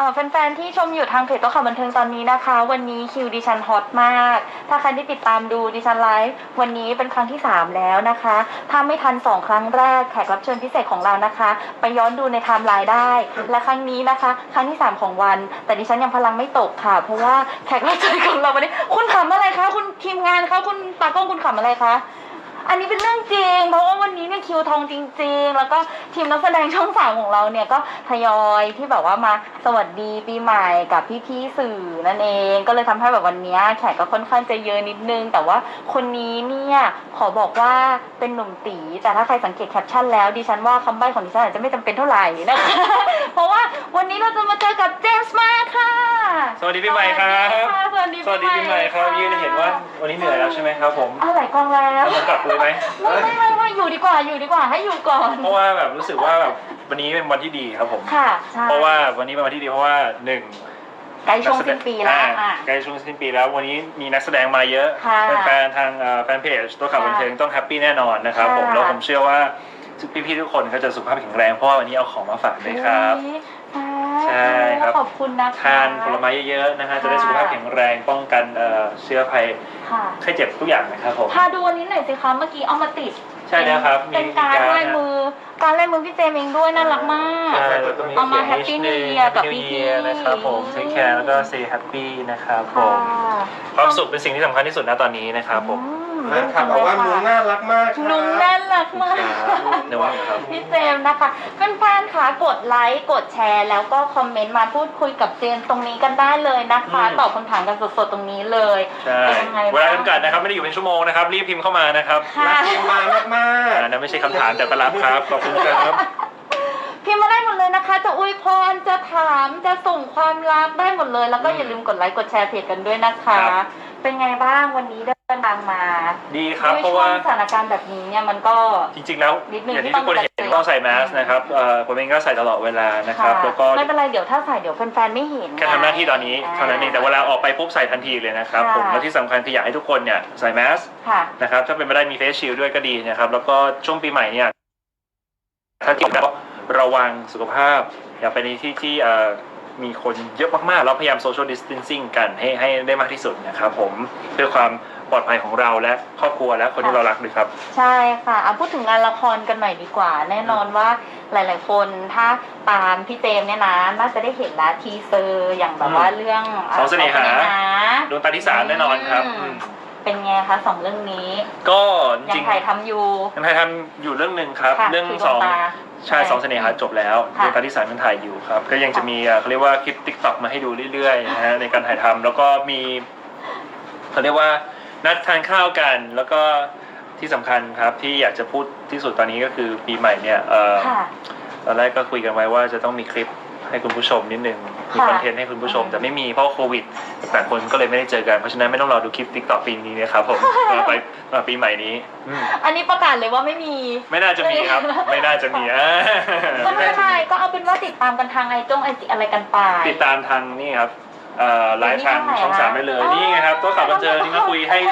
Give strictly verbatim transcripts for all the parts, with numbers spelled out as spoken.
แฟนๆที่ชมอยู่ทางเพจโต๊ะข่าวบันเทิงตอนนี้นะคะวันนี้คิวดิฉันฮอตมากถ้าใครที่ติดตามดูดิฉันไลฟ์วันนี้เป็นครั้งที่สามแล้วนะคะถ้าไม่ทันสองครั้งแรกแขกรับเชิญพิเศษของเรานะคะไปย้อนดูในไทม์ไลน์ได้และครั้งนี้นะคะครั้งที่สามของวันแต่ดิฉันยังพลังไม่ตกค่ะเพราะว่าแขกรับเชิญของเราวันนี้คุณขำอะไรคะคุณทีมงานคะคุณตากล้องคุณขำอะไรคะอันนี้เป็นเรื่องจริงเพราะว่าวันนี้เนี่ยคิวทองจริงๆแล้วก็ทีมนักแสดงช่องสามของเราเนี่ยก็ทยอยที่แบบว่ามาสวัสดีปีใหม่กับพี่ๆสื่อนั่นเองก็เลยทำให้แบบวันนี้แขกก็ค่อนข้างจะเยอะนิดนึงแต่ว่าคนนี้เนี่ยขอบอกว่าเป็นหนุ่มตีแต่ถ้าใครสังเกตแคปชั่นแล้วดิฉันว่าคำใบ้ของดิฉันอาจจะไม่จำเป็นเท่าไหร่นะคะ เพราะว่าวันนี้เราจะมาเจอกับเจมส์มาค่ะสวัสดีพี่ใหม่ครับสวัสดีสวัสดีพี่ใหม่ครับยืนเห็นว่าวันนี้เหนื่อยแล้วใช่ไหมครับผมอ่ะหลายกองแล้วจะกลับเลยไหมไม่ไม่ไม่ไม่อยู่ดีกว่าอยู่ดีกว่าให้อยู่ก่อนเพราะว่าแบบรู้สึกว่าแบบวันนี้เป็นวันที่ดีครับผมค่ะใช่เพราะว่าวันนี้เป็นวันที่ดีเพราะว่าหนึ่งใกล้ช่วงสิ้นปีแล้วใกล้ช่วงสิ้นปีแล้ววันนี้มีนักแสดงมาเยอะแฟนๆทางแฟนเพจตัวข่าวบันเทิงต้องแฮปปี้แน่นอนนะครับผมแล้วผมเชื่อว่าพี่ๆทุกคนก็จะสุขภาพแข็งแรงเพราะว่าวันนี้เอาของมาฝากเลยครับใช่ครับขอบคุณนะคะทานผลไม้เยอะๆนะฮะจะได้สุขภาพแข็งแรงป้องกันเชื้อภัยไข้เจ็บทุกอย่างนะครับผมพาดูวันนี้หน่อยสิคะเมื่อกี้เอามาติดใช่แล้วครับเป็นการลายมือการลายมือพี่เจมเองด้วยน่ารักมากเอามาแฮปปี้นิวเยียร์กับพี่พี่นะครับผมเทคแคร์แล้วก็เซย์แฮปปี้นะครับผมความสุขเป็นสิ่งที่สำคัญที่สุดนะตอนนี้นะครับผมนะครับบอกว่านุ้งน่ารักมากนุ้งน่ารักมากในว่าครับพี่เจมนะคะแฟนๆค่ะกดไลค์กดแชร์แล้วก็คอมเมนต์มาพูดคุยกับเจมตรงนี้กันได้เลยนะคะตอบคำถามกันสดๆตรงนี้เลยเป็นยังไงเวลาจำกัดนะครับไม่ได้อยู่เป็นชั่วโมงนะครับรีบพิมพ์เข้ามานะครับรักพิมพ์มามากๆนั่นไม่ใช่คำถามแต่ก็รับครับขอบคุณครับพิมพ์มาได้หมดเลยนะคะจะอวยพรจะถามจะส่งความรักได้หมดเลยแล้วก็อย่าลืมกดไลค์กดแชร์เพจกันด้วยนะคะเป็นไงบ้างวันนี้เดินทางมาดีครับเพราะว่าสถานการณ์แบบนี้เนี่ยมันก็จริงๆแล้วอย่างที่ทุกคนเห็นต้องใส่แมสนะครับผมเองก็ใส่ตลอดเวลานะครับแล้วก็ไม่เป็นไรเดี๋ยวถ้าใส่เดี๋ยวแฟนๆไม่เห็นแค่ทำหน้าที่ตอนนี้เท่านั้นเองแต่เวลาออกไปปุ๊บใส่ทันทีเลยนะครับผมแล้วที่สำคัญคืออยากให้ทุกคนเนี่ยใส่แมสนะครับถ้าเป็นไปได้มีเฟสชิลด์ด้วยก็ดีนะครับแล้วก็ช่วงปีใหม่เนี่ยถ้าเกิดระวังสุขภาพอย่าไปในที่ที่มีคนเยอะมากๆเราพยายามโซเชียลดิสแทนซิ่งกันให้ให้ได้มากที่สุดนะครับผมเพื่อความปลอดภัยของเราและครอบครัวและคนที่เรารักด้วยครับใช่ค่ะเอาพูดถึงงานละครกันหน่อยดีกว่าแน่นอนว่าหลายๆคนถ้าตามพี่เจมเนี่ยนะน่าจะได้เห็นแล้วทีเซอร์อย่างแบบว่าเรื่องสองเสน่หาดวงตาที่สามแน่นอนครับเป็นไงคะสองเรื่องนี้ก็ยังถ่ายทำอยู่ยังถ่ายทำอยู่เรื่องหนึ่งครับเรื่องสองใช่สองเสน่หาจบแล้วดวงตาที่สามยังถ่ายอยู่ครับก็ยังจะมีเขาเรียกว่าคลิปติ๊กต็อกมาให้ดูเรื่อยๆนะฮะในการถ่ายทำแล้วก็มีเขาเรียกว่านัดทานข้าวกันแล้วก็ที่สำคัญครับที่อยากจะพูดที่สุดตอนนี้ก็คือปีใหม่เนี่ยตอนแรกก็คุยกันไว้ว่าจะต้องมีคลิปให้คุณผู้ชมนิดนึงมีคอนเทนต์ให้คุณผู้ชมแต่ไม่มีเพราะโควิดแต่คนก็เลยไม่ได้เจอกันเพราะฉะนั้นไม่ต้องรอดูคลิปติ๊กต็อกปีนี้นะครับผมมาไปมาปีใหม่นี้อันนี้ประกาศเลยว่าไม่มีไม่น่าจะมีครับไม่น่าจะมีอ่ะก็ไม่เป็นไรก็เอาเป็นว่าติดตามกันทางไอจงไอจีอะไรกันไปติดตามทางนี่ครับไลฟ์ทางช่องสามได้เลยนี่ไงครับตัวข่าวบันเทิงนี่มาคุยให้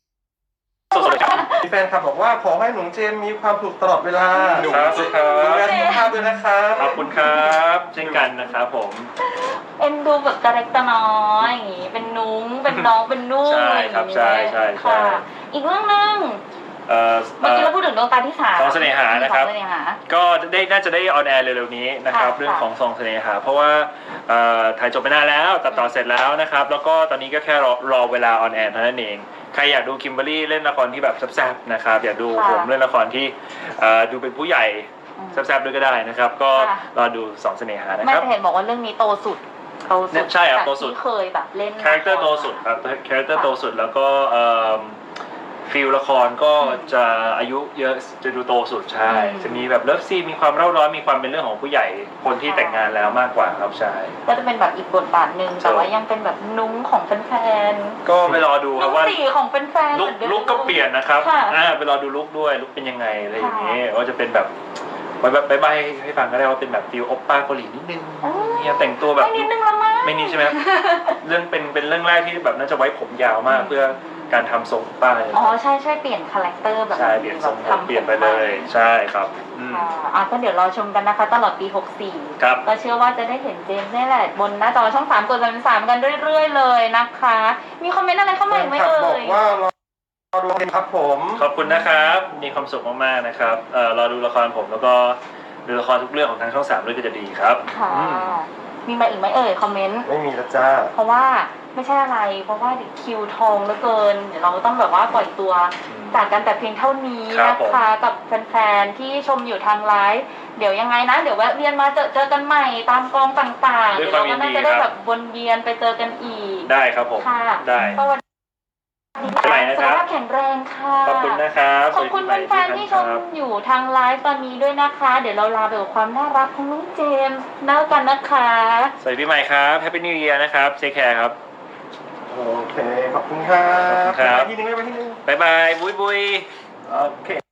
มีแฟนคลับบอกว่าขอให้หนุ่มเจมมีความสุขตลอดเวลาดูสุขดูแลสุขภาพด้วยนะครับขอบคุณครับเช่นกันนะครับผมเอ็นดูแบบตะเล็กตะน้อยอย่างงี้เป็นนุ้งเป็นน้องเป็นนุ่งใช่ครับใช่ใช่ค่ะอีกเรื่องนึงเมื่อกี้เราพูดถึงดวงตาที่สามสองเสน่หานะครับก็ได้น่าจะได้ออนแอร์เร็วๆนี้นะครับเรื่องของสองเสน่หาเพราะว่าถ่ายจบไปนานแล้วตัดต่อเสร็จแล้วนะครับแล้วก็ตอนนี้ก็แค่รอรอเวลาออนแอร์เท่านั้นเองใครอยากดูคิมเบอร์รี่เล่นละครที่แบบแซ่บๆนะครับอยากดูผมเล่นละครที่ดูเป็นผู้ใหญ่แซ่บๆด้วยก็ได้นะครับก็รอดูสองเสน่หานะครับไม่เห็นบอกว่าเรื่องนี้โตสุดโตสุดใช่ครับโตสุดที่เคยแบบเล่นคาแรคเตอร์โตสุดครับคาแรคเตอร์โตสุดแล้วก็ฟิลละครก็จะอายุเยอะจะดูโตสุดใช่จะมีแบบเลิฟซีมีความเร่าร้อนมีความเป็นเรื่องของผู้ใหญ่คนที่แต่งงานแล้วมากกว่าครับใช่ก็จะเป็นแบบอีกบทบาทหนึ่งแต่ว่ายังเป็นแบบนุ้งของแฟนๆก็ไปรอดูครับว่าสีของแฟนๆลุกลุกก็เปลี่ยนนะครับอ่าไปรอดูลุกด้วยลุกเป็นยังไงอะไรอย่างเงี้ยว่าจะเป็นแบบไว้แบบใบให้ฟังก็ได้ว่าเป็นแบบฟิลโอปป้าเกาหลีนิดนึงเนี่ยแต่งตัวแบบไม่นิดนึงละมั้งไม่นิดใช่ไหมเรื่องเป็นเป็นเรื่องแรกที่แบบน่าจะไว้ผมยาวมากเพื่อการทำทรงป้ายเลยอ๋อใช่ใช่เปลี่ยนคาแรคเตอร์แบบใช่เปลี่ยนทรงแบบเปลี่ยนไปเลยใช่ครับอืมค่ะอ่ะก็เดี๋ยวรอชมกันนะคะ ตลอดปีหกสี่ครับก็เชื่อว่าจะได้เห็นเจมส์นี่แหละบนหน้าจอช่องสามกดสามสามกันเรื่อยๆเลยนะคะ มีคอมเมนต์อะไรเข้ามาอีกไหมครับเอ่บอกยว่ารอดูครับผมขอบคุณนะครับ มีความสุขมากๆนะครับเอ่อรอดูละครผมแล้วก็ดูละครทุกเรื่องของทางช่องสามด้วยก็จะดีครับค่ะอืมมีมาอีกไหมเอ่ยคอมเมนต์ไม่มีแล้วจ้าเพราะว่าไม่ใช่อะไร เพราะว่าเดี๋ยวคิวทองเหลือเกิน เดี๋ยวเราต้องแบบว่าปล่อยตัวจากกันแต่เพียงเท่านี้ครับนะผมคะกับแฟนๆที่ชมอยู่ทางไลฟ์เดี๋ยวยังไงนะ เดี๋ยวแวะเวียนมาเจอเจอกันใหม่ตามกองต่างๆด้วเดี๋ยยวความเราก็น่ายินดีจะได้ครับแบบวนเวียนไปเจอกันอีกได้ครับผมค่ะได้สวัสดีไปไหนนะสุคขรับภาพแข็งแรงค่ะขอบคุณนะครับขอบคุณสวัสดีแฟปีนใหม่ๆที่ชทุกมท่านครับอยู่ทางไลฟ์ตอนนี้ด้วยนะคะ เดี๋ยวเราลาไปกับความน่ารักของน้องเจมส์แล้วกันนะคะสวัสดีปีใหม่ครับแฮปปี้นิวเยียร์นะครับเทคแคร์ครับโอเค ขอบคุณครับขอบคุณครับไปที่นึงไปที่นึงบ๊ายบายบุยบุยโอเค